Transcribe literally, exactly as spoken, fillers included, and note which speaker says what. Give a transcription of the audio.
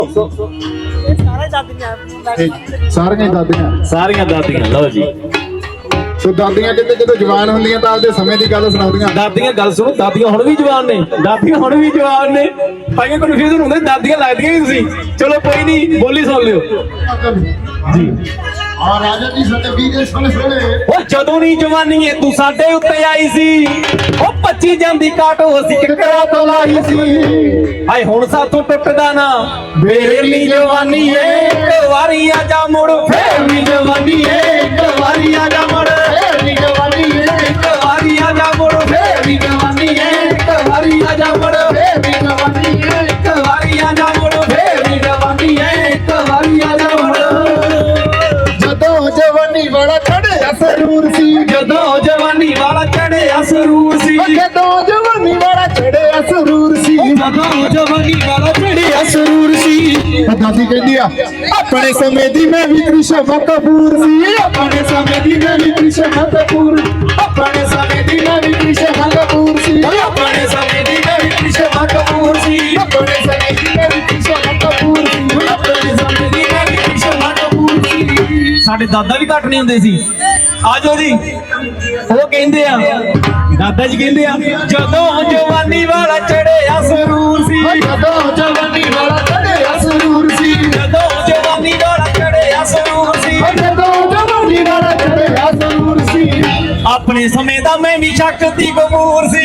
Speaker 1: ਸਾਰੀਆਂ ਦਾਦੀਆਂ
Speaker 2: ਸਾਰੀਆਂ ਦਾਦੀਆਂ ਲਓ ਜੀ।
Speaker 1: ਸੋ ਦਾਦੀਆਂ ਕਿਤੇ ਜਦੋਂ ਜਵਾਨ ਹੁੰਦੀਆਂ ਤਾਂ ਆਪਦੇ ਸਮੇਂ ਦੀ ਗੱਲ ਸੁਣਾਉਂਦੀਆਂ।
Speaker 2: ਦਾਦੀਆਂ ਗੱਲ ਸੁਣੋ, ਦਾਦੀਆਂ ਹੁਣ ਵੀ ਜਵਾਨ ਨੇ, ਦਾਦੀਆਂ ਹੁਣ ਵੀ ਜਵਾਨ ਨੇ। ਭਾਈਆਂ ਕਨਫਿਊਜ਼ਨ ਹੁੰਦੇ, ਦਾਦੀਆਂ ਲੱਗਦੀਆਂ ਵੀ ਤੁਸੀਂ। ਚਲੋ ਕੋਈ ਨਹੀਂ, ਬੋਲੀ ਸੁਣ ਲਿਓ ਜੀ।
Speaker 1: ਆ ਰਾਜਾ ਜੀ ਸਾਡੇ ਵੀਰੇ ਸੁਣ ਸੁਣੇ
Speaker 2: ਉਹ ਜਦੋਂ ਨਹੀਂ ਜਵਾਨੀ ਏ ਤੂੰ ਸਾਡੇ ਉੱਤੇ ਆਈ ਸੀ, ਉਹ ਪੱਚੀ ਜਾਂਦੀ ਕਾਟੋ ਅਸੀਂ ਕਿਕਰਾਂ ਤੋਂ ਲਾਈ ਸੀ। ਹਾਏ ਹੁਣ ਸਾਥੋਂ ਟੁੱਟਦਾ ਨਾ ਫੇਰ ਨੀ ਜਵਾਨੀ ਏ, ਇੱਕ ਵਾਰੀ ਆ ਜਾ ਮੁੜ ਫੇਰ ਨੀ ਜਵਾਨੀ ਏ, ਇੱਕ ਵਾਰੀ ਆ ਜਾ ਮੁੜ ਫੇਰ ਨੀ ਜਵਾਨੀ ਏ, ਇੱਕ ਵਾਰੀ ਆ ਜਾ ਮੁੜ ਫੇਰ ਨੀ ਜਵਾਨੀ ਏ, ਇੱਕ ਵਾਰੀ ਆ ਜਾ ਮੁੜ ਫੇਰ ਨੀ ਜਵਾਨੀ ਏ, ਇੱਕ ਵਾਰੀ ਆ ਜਾ ਮੁੜ ਫੇਰ ਨੀ ਜਵਾਨੀ ਏ, ਇੱਕ ਵਾਰੀ ਆ ਜਾ ਮੁੜ।
Speaker 1: ਜਦੋਂ ਜਵਾਨੀ ਵਾਲਾ ਚੜਿਆ ਸਰੂਰ ਸੀ,
Speaker 2: ਜਦੋਂ ਜਵਾਨੀ ਵਾਲਾ ਚੜਿਆ ਸਰੂਰ ਸੀ,
Speaker 1: ਜਦੋਂ ਜਵਾਨੀ ਵਾਲਾ ਚੜਿਆ ਸਰੂਰ ਸੀ,
Speaker 2: ਜਦੋਂ ਜਵਾਨੀ ਵਾਲਾ ਚੜਿਆ ਸਰੂਰ ਸੀ।
Speaker 1: ਦਾਦੀ ਕਹਿੰਦੀ ਆ ਆਪਣੇ ਸਮੇਂ ਦੀ ਮੈਂ ਵੀ ਕ੍ਰਿਸ਼ਨ ਕਪੂਰ ਸੀ,
Speaker 2: ਆਪਣੇ ਸਮੇਂ ਦੀ ਮੈਂ ਵੀ ਕ੍ਰਿਸ਼ਨ ਕਪੂਰ,
Speaker 1: ਆਪਣੇ ਸਮੇਂ ਦੀ ਮੈਂ ਵੀ ਕ੍ਰਿਸ਼ਨ ਕਪੂਰ ਸੀ,
Speaker 2: ਆਪਣੇ ਸਮੇਂ ਦੀ ਮੈਂ ਵੀ ਕ੍ਰਿਸ਼ਨ ਕਪੂਰ ਸੀ,
Speaker 1: ਆਪਣੇ ਸਮੇਂ ਦੀ ਮੈਂ ਵੀ ਕ੍ਰਿਸ਼ਨ ਕਪੂਰ ਸੀ,
Speaker 2: ਆਪਣੇ ਸਮੇਂ ਦੀ ਮੈਂ ਵੀ ਕ੍ਰਿਸ਼ਨ ਕਪੂਰ ਸੀ। ਸਾਡੇ ਦਾਦਾ ਵੀ ਘੱਟ ਨਹੀਂ ਹੁੰਦੇ ਸੀ। ਆਜੋ ਜੀ, ਉਹ ਕਹਿੰਦੇ ਆ, ਦਾਦਾ ਜੀ ਕਹਿੰਦੇ ਆ, ਜਦੋਂ ਜਵਾਨੀ ਵਾਲਾ ਚੜਿਆ ਸਰੂਰ ਸੀ,
Speaker 1: ਜਦੋਂ ਜਵਾਨੀ ਵਾਲਾ ਚੜਿਆ ਸਰੂਰ ਸੀ,
Speaker 2: ਜਦੋਂ ਜਵਾਨੀ ਵਾਲਾ ਚੜਿਆ ਸਰੂਰ ਸੀ,
Speaker 1: ਜਦੋਂ ਜਵਾਨੀ ਵਾਲਾ ਚੜਿਆ ਸਰੂਰ ਸੀ।
Speaker 2: ਆਪਣੇ ਸਮੇਂ ਦਾ ਮੈਂ ਵੀ ਸ਼ਕਤੀ ਕਪੂਰ ਸੀ,